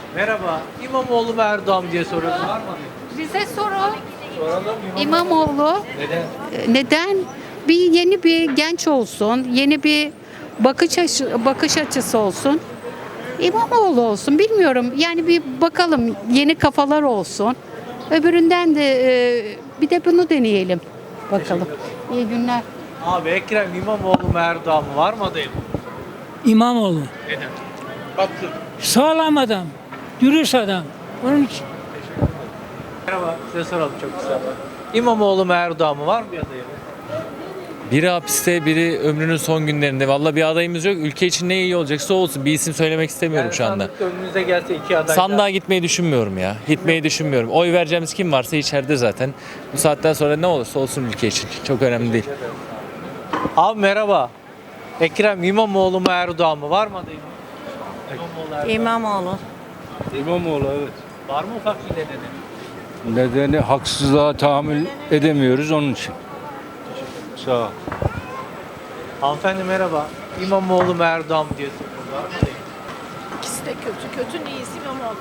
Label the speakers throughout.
Speaker 1: Merhaba. İmamoğlu mu Erdoğan mı diye soruyoruz. Var mı?
Speaker 2: Bize soru.
Speaker 1: Soralım.
Speaker 2: İmamoğlu.
Speaker 1: Neden?
Speaker 2: Neden? Bir yeni bir genç olsun, yeni bir bakış açısı olsun. İmamoğlu olsun. Bilmiyorum. Yani bir bakalım yeni kafalar olsun. Öbüründen de bir de bunu deneyelim. Bakalım. İyi günler.
Speaker 1: Abi Ekrem İmamoğlu mu Erdoğan mı? Var mı adayım?
Speaker 3: İmamoğlu.
Speaker 1: Neden? Baktım.
Speaker 3: Sağlam adam. Dürüst adam. Onun için.
Speaker 1: Merhaba. Size soralım çok kısa. İmamoğlu mu Erdoğan mı? Var mı bir adayım?
Speaker 4: Biri hapiste, biri ömrünün son günlerinde. Vallahi bir adayımız yok. Ülke için ne iyi olacaksa olsun. Bir isim söylemek istemiyorum şu anda.
Speaker 1: Sandıkta önünüze gelse iki aday.
Speaker 4: Sandığa gitmeyi düşünmüyorum ya. Gitmeyi düşünmüyorum. Oy vereceğimiz kim varsa içeride zaten. Bu saatten sonra ne olursa olsun ülke için. Çok önemli değil.
Speaker 1: Abi merhaba. Ekrem İmamoğlu mu Erdoğan mı? Var mı adayım? İmamoğlu Erdoğan.
Speaker 5: İmamoğlu evet.
Speaker 1: Var mı ufak bir nedeni?
Speaker 5: Nedeni haksızlığa tahammül edemiyoruz onun için. Sağ ol.
Speaker 1: Hanımefendi merhaba. İmamoğlu mu Erdoğan mı diye soruyoruz. Var mı adayım?
Speaker 6: İkisi de kötü. Kötünün iyisi İmamoğlu.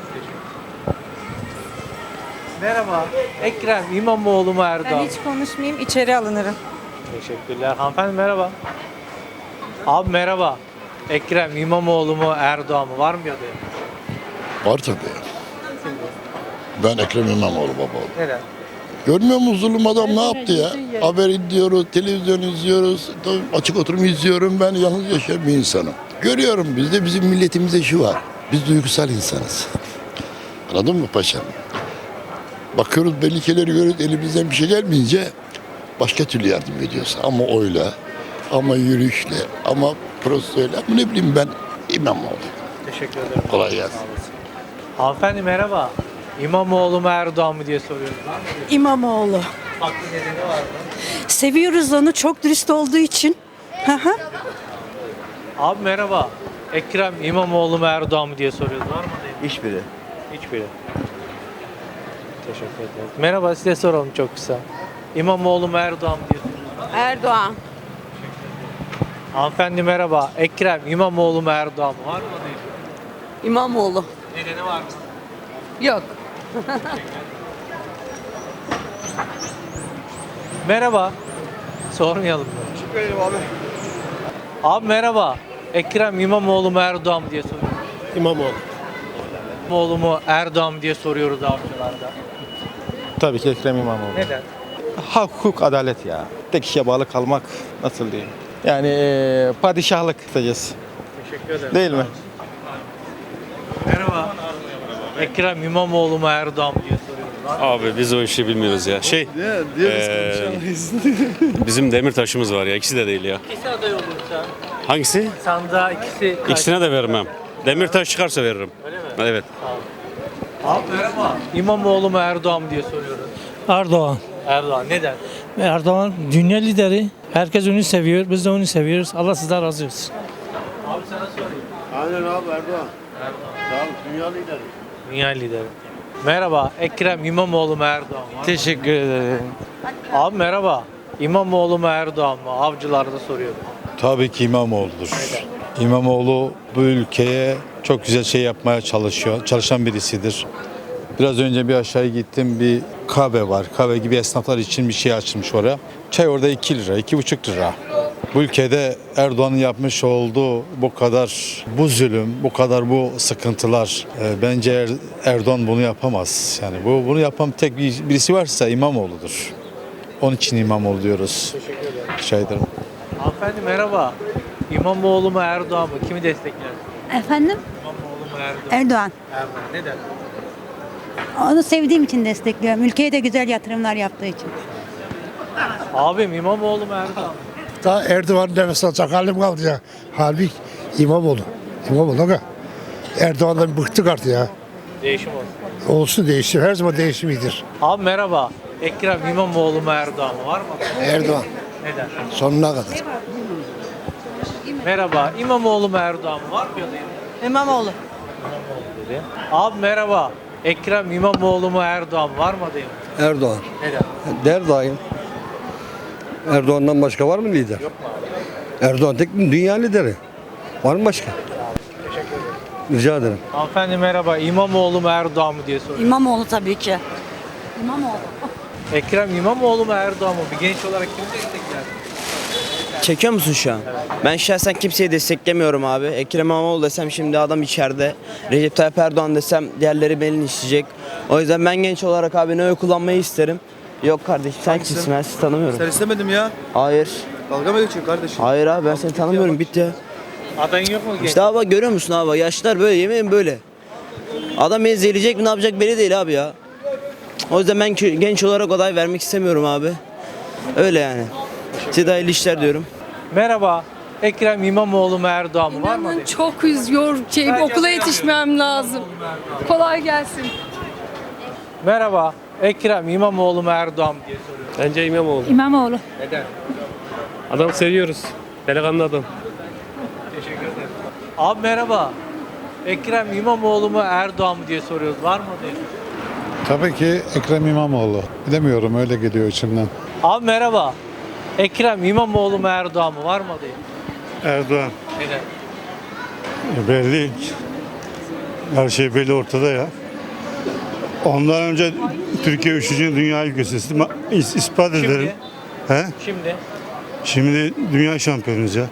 Speaker 1: Merhaba. Ekrem İmamoğlu mu Erdoğan
Speaker 6: Ben
Speaker 1: mı?
Speaker 6: hiç konuşmayayım, içeri alınırım.
Speaker 1: Teşekkürler. Hanımefendi merhaba. Abi merhaba. Ekrem İmamoğlu mu Erdoğan mı? Var mı bir adayım?
Speaker 7: Var tabii. Ben Ekrem İmamoğlu baba.
Speaker 1: Neden?
Speaker 7: Görmüyor musun zulüm adam ne yaptı ya? Haber izliyoruz, televizyon izliyoruz, açık oturum izliyorum. Ben yalnız yaşayan bir insanım. Görüyorum bizde bizim milletimizde şu var. Biz duygusal insanız. Anladın mı paşam? Bakıyoruz belli şeyleri görüyoruz elimizden bir şey gelmeyince başka türlü yardım ediyoruz. Ama oyla, ama yürüyüşle, ama prostoyla, ama ne bileyim ben İmamoğlu.
Speaker 1: Teşekkür ederim.
Speaker 7: Kolay gelsin.
Speaker 1: Hanımefendi merhaba. İmamoğlu mu Erdoğan mı diye soruyoruz. Var mı?
Speaker 6: İmamoğlu.
Speaker 1: Haklı nedeni var mı?
Speaker 6: Seviyoruz onu, çok dürüst olduğu için. Hı hı.
Speaker 1: Abi merhaba. Ekrem İmamoğlu mu Erdoğan mı diye soruyoruz. Var mı adayım?
Speaker 8: Hiçbiri.
Speaker 1: Hiçbiri. Teşekkür ederiz. Merhaba size soralım çok kısa. İmamoğlu mu Erdoğan mı diye soruyoruz.
Speaker 6: Erdoğan.
Speaker 1: Hanımefendi merhaba. Ekrem İmamoğlu mu Erdoğan mı? Var mı adayım?
Speaker 6: İmamoğlu.
Speaker 1: Nedeni var mı?
Speaker 6: Yok.
Speaker 1: Merhaba. Sormayalım mı?
Speaker 8: abi.
Speaker 1: Abi merhaba. Ekrem İmamoğlu mu Erdoğan mı diye soruyoruz.
Speaker 8: İmamoğlu.
Speaker 1: İmamoğlu mu Erdoğan mı diye soruyoruz avcılarda.
Speaker 8: Tabii ki Ekrem İmamoğlu.
Speaker 1: Neden?
Speaker 8: Hak, hukuk, adalet ya. Tek kişiye bağlı kalmak nasıl diyeyim? Yani padişahlık kısacası.
Speaker 1: Teşekkür ederim.
Speaker 8: Değil mi?
Speaker 1: Merhaba. Ekrem İmamoğlu mu Erdoğan mı diye soruyoruz.
Speaker 9: Abi biz o işi bilmiyoruz ya. Bizim Demirtaş'ımız var ya. İkisi de değil ya.
Speaker 1: İkisi aday olursa
Speaker 9: Hangisi?
Speaker 1: sandığa ikisi
Speaker 9: İkisine de vermem. Demirtaş çıkarsa veririm.
Speaker 1: Öyle mi?
Speaker 9: Evet.
Speaker 1: Abi merhaba. İmamoğlu mu Erdoğan mı diye soruyoruz.
Speaker 3: Erdoğan.
Speaker 1: Erdoğan neden?
Speaker 3: Erdoğan dünya lideri. Herkes onu seviyor. Biz de onu seviyoruz. Allah sizden razı olsun.
Speaker 1: Abi sana sorayım.
Speaker 7: Aynen abi Erdoğan. Sağ ol, dünya lideri.
Speaker 1: Dünya lideri. Merhaba. Ekrem İmamoğlu mu Erdoğan mı?
Speaker 8: Teşekkür ederim.
Speaker 1: Abi merhaba. İmamoğlu mu Erdoğan mı? Avcılarda soruyorum.
Speaker 10: Tabii ki İmamoğlu'dur. İmamoğlu bu ülkeye çok güzel şey yapmaya çalışıyor. Çalışan birisidir. Biraz önce bir aşağı gittim, bir kahve var. Kahve gibi esnaflar için bir şey açılmış oraya. Çay orada 2 lira, 2,5 lira. Bu ülkede Erdoğan'ın yapmış olduğu bu kadar bu zulüm, bu kadar bu sıkıntılar bence Erdoğan bunu yapamaz. Yani bunu yapan tek birisi varsa İmamoğlu'dur. Onun için İmamoğlu diyoruz.
Speaker 1: Teşekkür ederim.
Speaker 10: Rica ederim.
Speaker 1: Hanımefendi merhaba. İmamoğlu mu Erdoğan mı? Kimi destekler?
Speaker 11: Efendim?
Speaker 1: İmamoğlu mu Erdoğan mı?
Speaker 11: Erdoğan.
Speaker 1: Erdoğan. Neden?
Speaker 11: Onu sevdiğim için destekliyorum. Ülkeye de güzel yatırımlar yaptığı için.
Speaker 1: Abim İmamoğlu mu Erdoğan mı?
Speaker 12: Daha Erdoğan nefes alacak halim kaldı ya. Halbuki İmamoğlu. İmamoğlu aga. Erdoğan'dan bıktık artık ya.
Speaker 1: Değişim olsun.
Speaker 12: Olsun değişim. Her zaman değişim iyidir.
Speaker 1: Abi merhaba. Ekrem İmamoğlu mu Erdoğan mı? Var mı?
Speaker 12: Erdoğan.
Speaker 1: Neden?
Speaker 12: Sonuna kadar.
Speaker 1: Merhaba. İmamoğlu mu Erdoğan mı? Var mı adayım?
Speaker 6: İmamoğlu.
Speaker 1: İmamoğlu dedi. Abi merhaba. Ekrem İmamoğlu mu Erdoğan mı? Var mı adayım?
Speaker 8: Erdoğan.
Speaker 1: Neden?
Speaker 8: Der daim. Erdoğan'dan başka var mı lider?
Speaker 1: Yok mu abi?
Speaker 8: Erdoğan tek dünya lideri. Var mı başka?
Speaker 1: Teşekkür ederim.
Speaker 8: Rica ederim.
Speaker 1: Hanımefendi merhaba. İmamoğlu mu Erdoğan mı diye soruyorum.
Speaker 6: İmamoğlu tabii ki. İmamoğlu.
Speaker 1: Ekrem İmamoğlu mu Erdoğan mı? Bir genç olarak kimi destekler?
Speaker 13: Çekiyor musun şu an? Ben şahsen kimseyi desteklemiyorum abi. Ekrem İmamoğlu desem şimdi adam içeride. Recep Tayyip Erdoğan desem diğerleri beni isteyecek. O yüzden ben genç olarak abi ne oy kullanmayı isterim. Yok kardeşim sen kimsin? Ben sizi tanımıyorum.
Speaker 8: Sen istemedim ya.
Speaker 13: Hayır.
Speaker 8: Dalga mı geçiyorsun kardeşim?
Speaker 13: Hayır abi ben seni tanımıyorum. Bitti ya.
Speaker 1: Adayın yok mu genç?
Speaker 13: İşte abi görüyor musun abi? Yaşlılar böyle yemeğin böyle. Adam beni zehirleyecek mi ne yapacak belli değil abi ya. O yüzden ben genç olarak aday vermek istemiyorum abi. Öyle yani. Size hayırlı işler diyorum.
Speaker 1: Merhaba. Ekrem İmamoğlu mu Erdoğan mı? Var mı? adayın?
Speaker 6: Çok üzüyor. Okula yetişmem lazım. Kolay gelsin.
Speaker 1: Merhaba. Ekrem İmamoğlu mu Erdoğan mı diye soruyorum.
Speaker 9: Bence İmamoğlu.
Speaker 11: İmamoğlu.
Speaker 1: Neden?
Speaker 9: Adam seviyoruz. Delikanlı adam.
Speaker 1: Teşekkür ederim. Abi merhaba. Ekrem İmamoğlu mu Erdoğan mı diye soruyoruz. Var mı adayın?
Speaker 10: Tabii ki Ekrem İmamoğlu. Bilemiyorum öyle geliyor içimden.
Speaker 1: Abi merhaba. Ekrem İmamoğlu mu Erdoğan mı? Var mı adayın?
Speaker 10: Erdoğan.
Speaker 1: Neden?
Speaker 10: Belli. Her şey belli ortada ya. Ondan önce Türkiye 3. Dünya ülkesi ispat ederim. He?
Speaker 1: Şimdi.
Speaker 10: Şimdi dünya şampiyonuyuz ya.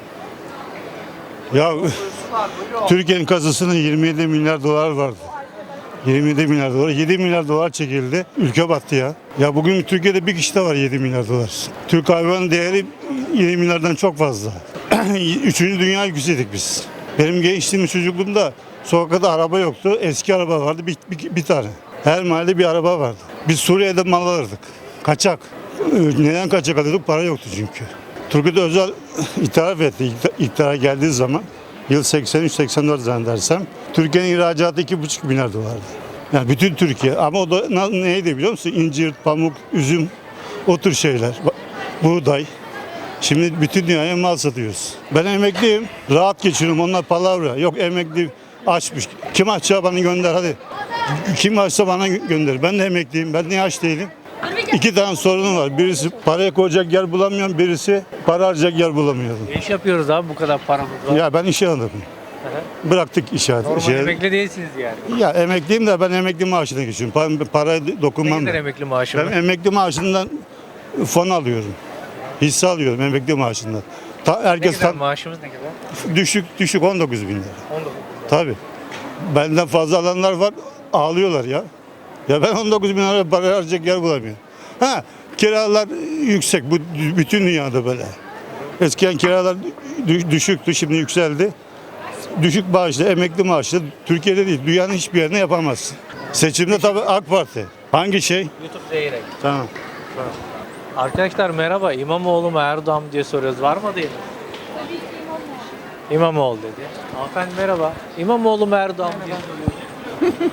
Speaker 10: Ya Türkiye'nin kasasında 27 milyar dolar vardı. 27 milyar dolar. 7 milyar dolar çekildi. Ülke battı ya. Ya bugün Türkiye'de bir kişi de var 7 milyar dolar. Türk hayvanın değeri 7 milyardan çok fazla. 3. dünya ülkesiydik biz. Benim gençliğim, çocukluğumda sokakta araba yoktu. Eski araba vardı bir tane. Her mahallede bir araba vardı. Biz Suriye'de mal alırdık. Kaçak. Neden kaçak alıyorduk? Para yoktu çünkü. Turgut Özal itiraf etti iktidara geldiği zaman. Yıl 83-84 zannedersem. Türkiye'nin ihracatı 2,5 milyar dolardı. Yani bütün Türkiye. Ama o da neydi biliyor musun? İncir, pamuk, üzüm, o tür şeyler. Buğday. Şimdi bütün dünyaya mal satıyoruz. Ben emekliyim. Rahat geçiriyorum. Onlar palavra. Yok emekli açmış. Kim açsa bana gönder hadi. Kim açsa bana gönder. Ben de emekliyim. Ben niye aç değilim? 2 tane sorunum var. Birisi paraya koyacak yer bulamıyorum. Birisi para harcayacak yer bulamıyorum.
Speaker 1: Ne iş yapıyoruz abi bu kadar paramız var?
Speaker 10: Ya ben işe aldım. Bıraktık işe.
Speaker 1: Normal emekli değilsiniz yani.
Speaker 10: Ya emekliyim de ben emekli maaşına geçiyorum. Paraya dokunmam.
Speaker 1: Ne kadar
Speaker 10: ben.
Speaker 1: emekli maaşı
Speaker 10: Ben
Speaker 1: var?
Speaker 10: emekli maaşından fon alıyorum. Hisse alıyorum emekli maaşından.
Speaker 1: Ne
Speaker 10: Herkes
Speaker 1: kadar maaşımız ne kadar?
Speaker 10: düşük 19 bin lira.
Speaker 1: 19.
Speaker 10: Tabii. Benden fazla alanlar var ağlıyorlar ya. Ya ben 19 bin lira para harcayacak yer bulamıyorum. Ha, kiralar yüksek. Bu bütün dünyada böyle. Eskiden kiralar düşüktü, şimdi yükseldi. Düşük maaşlı, emekli maaşlı Türkiye'de değil, dünyanın hiçbir yerine yapamazsın. Seçimde tabii AK Parti. Hangi şey?
Speaker 1: YouTube Zeyrek.
Speaker 10: Tamam.
Speaker 1: Arkadaşlar merhaba. İmamoğlu mu Erdoğan mı diye soruyoruz. Var mı değil mi? İmamoğlu dedi. Hanımefendi merhaba. İmamoğlu mu Erdoğan mı diye soruyoruz.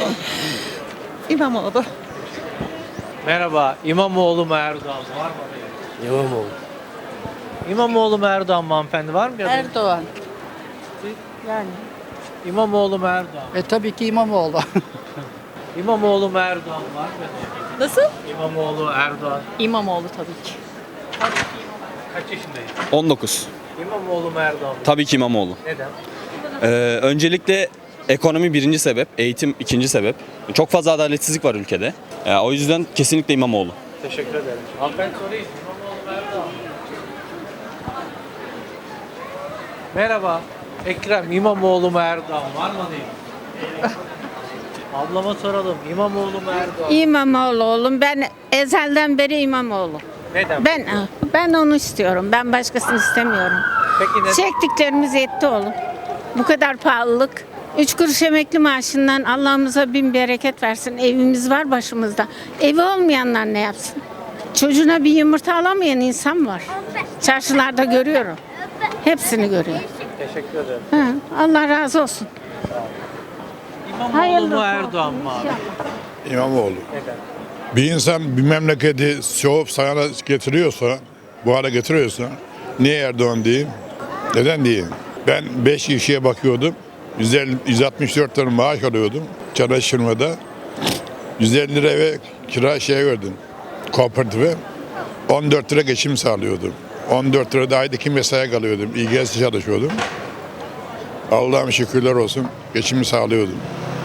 Speaker 6: İmamoğlu.
Speaker 1: Merhaba. İmamoğlu mu Erdoğan mı? Var mı adayın?
Speaker 13: İmamoğlu.
Speaker 1: İmamoğlu mu Erdoğan mı hanımefendi? Var mı bir adayın?
Speaker 6: Erdoğan. Yani.
Speaker 1: İmamoğlu mu Erdoğan mı?
Speaker 6: Tabii ki İmamoğlu.
Speaker 1: İmamoğlu mu Erdoğan mı? Var mı bir adayın?
Speaker 6: Nasıl?
Speaker 1: İmamoğlu, Erdoğan.
Speaker 6: İmamoğlu tabii ki.
Speaker 1: Kaç yaşındayız?
Speaker 14: 19.
Speaker 1: İmamoğlu mu Erdoğan mı?
Speaker 14: Tabii ki İmamoğlu.
Speaker 1: Neden?
Speaker 14: Öncelikle ekonomi birinci sebep, eğitim ikinci sebep. Çok fazla adaletsizlik var ülkede. O yüzden kesinlikle İmamoğlu.
Speaker 1: Teşekkür ederim. Hanımefendi sorayım. İmamoğlu mu Erdoğan mı? Merhaba. Ekrem İmamoğlu mu Erdoğan mı? Var mı değil? Ablama soralım. İmamoğlu mu Erdoğan mı?
Speaker 2: İmamoğlu oğlum. Ben ezelden beri İmamoğlu.
Speaker 1: Neden?
Speaker 2: Ben onu istiyorum. Ben başkasını istemiyorum.
Speaker 1: Peki neden?
Speaker 2: Çektiklerimiz yetti oğlum. Bu kadar pahalılık. 3 kuruş emekli maaşından Allah'ımıza bin bereket versin. Evimiz var başımızda. Evi olmayanlar ne yapsın? Çocuğuna bir yumurta alamayan insan var. Çarşılarda görüyorum. Hepsini görüyorum.
Speaker 1: Teşekkür ederim.
Speaker 2: Ha, Allah razı olsun.
Speaker 1: İmamoğlu
Speaker 2: Hayırlı
Speaker 1: mu Erdoğan mı abi?
Speaker 7: İmamoğlu.
Speaker 1: Neden?
Speaker 7: Bir insan bir memleketi soğup sana getiriyorsa, bu hale getiriyorsa niye Erdoğan diyeyim? Neden diyeyim? Ben 5 kişiye bakıyordum. 164 lira maaş alıyordum. Çalıştırmada. 150 lira eve kira verdim. Kooperatife. 14 lira geçim sağlıyordum. 14 lira da ayda 2 mesaiye kalıyordum. İGS çalışıyordum. Allah'ım şükürler olsun geçimi sağlıyordum.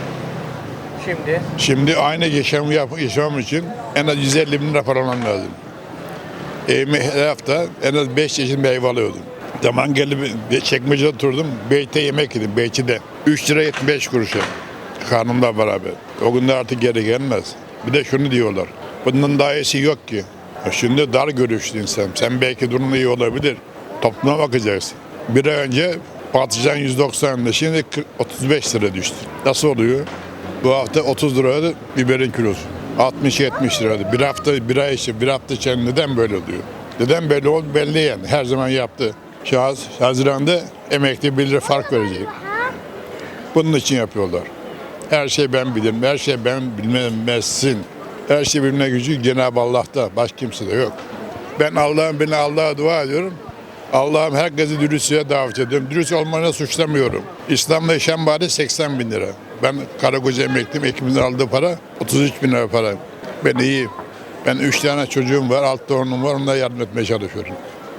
Speaker 7: Şimdi aynı yaşamam için en az 150 bin lira para almam lazım. Evime her hafta en az 5 çeşit meyve alıyordum. Zaman geldi Çekmece'de oturdum. Beyt'te yemek yedim. Beyt'te 3 lira 75 kuruşa. Karnımla beraber. O günde artık geri gelmez. Bir de şunu diyorlar. Bundan daha iyisi yok ki. Şimdi dar görüşlü insan. Sen belki durumun iyi olabilir. Topluma bakacaksın. Bir ay önce patlıcan 190'da şimdi 35 lira düştü. Nasıl oluyor? Bu hafta 30 liraydı biberin kilosu. 60-70 liraydı. Bir hafta içinde neden böyle oluyor? Neden böyle oldu belli yani. Her zaman yaptı. Şahıs Haziran'da emekli 1 lira fark verecek. Bunun için yapıyorlar. Her şey ben bilirim, her şey ben bilmezsin. Her şey bilme gücü Cenab-ı Allah'ta, başka kimsede yok. Ben Allah'a dua ediyorum. Allah'ım herkesi dürüstlüğe davet ediyorum. Dürüst olmanı suçlamıyorum. İslam'da yaşam bari 80 bin lira. Ben karı koca emekliyim, ekimizin aldığı para 33 bin lira para. Ben iyiyim. Ben 3 tane çocuğum var, 6 torunum var, onlara yardım etmeye çalışıyorum.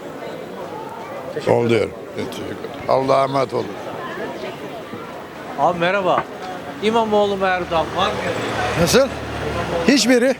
Speaker 7: Oluyor. Allah'a emanet olun.
Speaker 1: Abi merhaba. İmamoğlu mu Erdoğan var mı?
Speaker 12: Nasıl? Hiçbiri.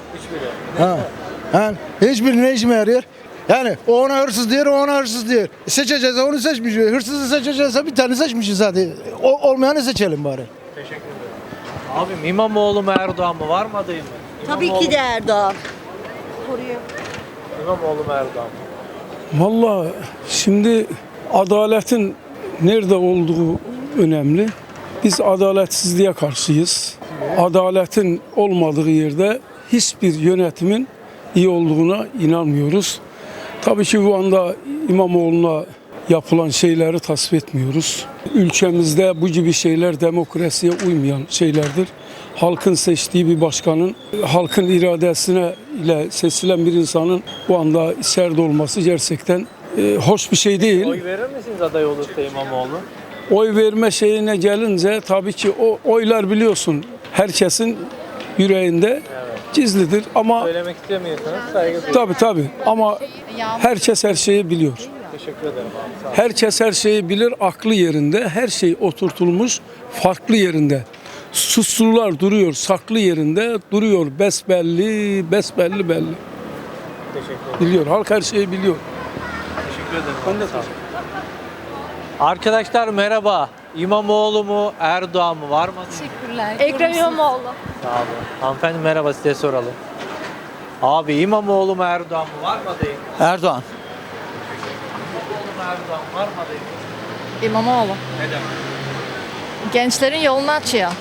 Speaker 12: Hiçbiri ne işime yarıyor? Yani o ona hırsız diyor, o ona hırsız diyor. Seçeceğiz, onu seçmeyeceğiz. Hırsızı seçeceğiz, bir tane seçmişiz zaten. Olmayanı seçelim bari.
Speaker 1: Teşekkür ederim. Abim İmamoğlu mu Erdoğan mı var mı adayım mı?
Speaker 11: Tabii ki de Erdoğan.
Speaker 1: İmamoğlu mu Erdoğan mı?
Speaker 9: Vallahi şimdi adaletin nerede olduğu önemli. Biz adaletsizliğe karşıyız. Adaletin olmadığı yerde hiçbir yönetimin iyi olduğuna inanmıyoruz. Tabii ki bu anda İmamoğlu'na yapılan şeyleri tasvip etmiyoruz. Ülkemizde bu gibi şeyler demokrasiye uymayan şeylerdir. Halkın seçtiği bir başkanın, halkın iradesine ile seçilen bir insanın bu anda içeride olması gerçekten hoş bir şey değil.
Speaker 1: Oy verir misiniz aday olursa İmamoğlu?
Speaker 9: Oy verme şeyine gelince tabii ki o oylar biliyorsun herkesin yüreğinde gizlidir ama
Speaker 1: Söylemek istemiyorsanız saygı duyuyorum.
Speaker 9: tabii ama herkes her şeyi biliyor.
Speaker 1: Teşekkür ederim abi. Sağ olun.
Speaker 9: Herkes her şeyi bilir, aklı yerinde, her şey oturtulmuş, farklı yerinde. Suçlular duruyor, saklı yerinde duruyor, besbelli belli.
Speaker 1: Teşekkür ederim.
Speaker 9: Biliyor, halk her şeyi biliyor.
Speaker 1: Teşekkür ederim. Ben de Arkadaşlar merhaba. İmamoğlu mu Erdoğan mı var mı?
Speaker 6: Teşekkürler. Ekrem İmamoğlu.
Speaker 1: Sağ olun. Hanımefendi merhaba, size soralım. Abi İmamoğlu mu Erdoğan mı var mı adayım?
Speaker 3: Erdoğan.
Speaker 1: İmamoğlu mu Erdoğan var mı adayım?
Speaker 6: İmamoğlu.
Speaker 1: Neden?
Speaker 6: Gençlerin yolunu açıyor.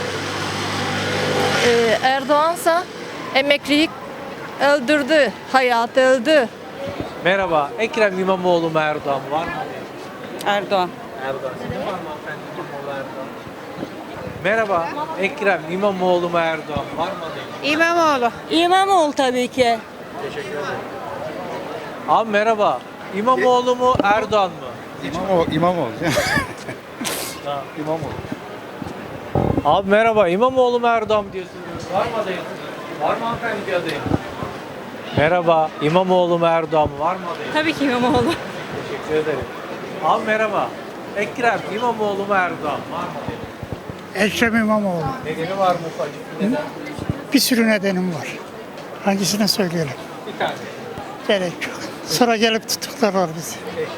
Speaker 6: Erdoğansa emeklilik öldürdü, hayat öldü.
Speaker 1: Merhaba. Ekrem İmamoğlu mu Erdoğan mı var mı adayım?
Speaker 11: Erdoğan.
Speaker 1: Erdoğan. Sizin var mı hanımefendi İmamoğlu Erdoğan? Merhaba. Ekrem İmamoğlu mu Erdoğan mı var mı adayım?
Speaker 11: İmamoğlu. İmamoğlu tabii ki.
Speaker 1: Teşekkür ederim. Abi merhaba. İmamoğlu mu Erdoğan mı?
Speaker 8: İmamoğlu.
Speaker 1: Ha, İmamoğlu. Abi merhaba. İmamoğlu mu Erdoğan mı diye soruyoruz. Var mı adayım? Var mı hanımefendi bir adayım? Merhaba. İmamoğlu mu Erdoğan mı var mı adayım?
Speaker 6: Tabii ki İmamoğlu.
Speaker 1: Teşekkür ederim. Abi merhaba. Ekrem İmamoğlu mu Erdoğan mı var mı adayım?
Speaker 12: Ekrem İmamoğlu.
Speaker 1: Nedeni var mı ufacık bir neden?
Speaker 12: Bir sürü nedenim var. Hangisini söyleyelim?
Speaker 1: Bir tane.
Speaker 12: Gerek yok. Sonra gelip tutuklarlar bizi.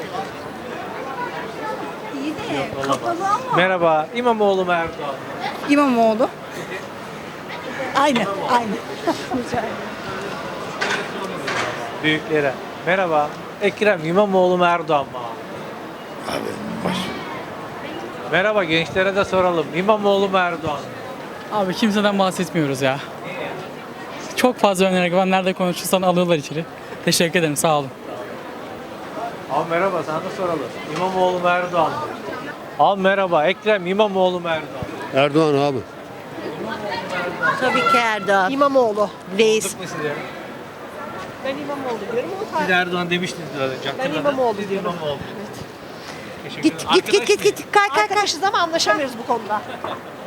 Speaker 1: Merhaba. İmamoğlu mu Erdoğan mı?
Speaker 11: İmamoğlu. Aynı.
Speaker 1: Büyüklere. Merhaba. Ekrem İmamoğlu mu Erdoğan mı abi? Merhaba, gençlere de soralım. İmamoğlu mu Erdoğan mı?
Speaker 3: Abi kimseden bahsetmiyoruz ya. Çok fazla önerek var. Nerede konuşursan alıyorlar içeri. Teşekkür ederim. Sağ olun.
Speaker 1: Abi merhaba, sana da soralım. İmamoğlu mu Erdoğan mı? Abi merhaba. Ekrem İmamoğlu mu Erdoğan mı?
Speaker 9: Erdoğan abi.
Speaker 11: Tabii ki Erdoğan. İmamoğlu. Reis.
Speaker 1: Sorduk mu size?
Speaker 11: Ben İmamoğlu diyorum.
Speaker 1: Siz Erdoğan demiştiniz biraz önce.
Speaker 11: Ben İmamoğlu
Speaker 1: Siz
Speaker 11: diyorum.
Speaker 1: İmamoğlu. Teşekkür ederim.
Speaker 11: Git. Arkadaşız ama anlaşamıyoruz bu konuda.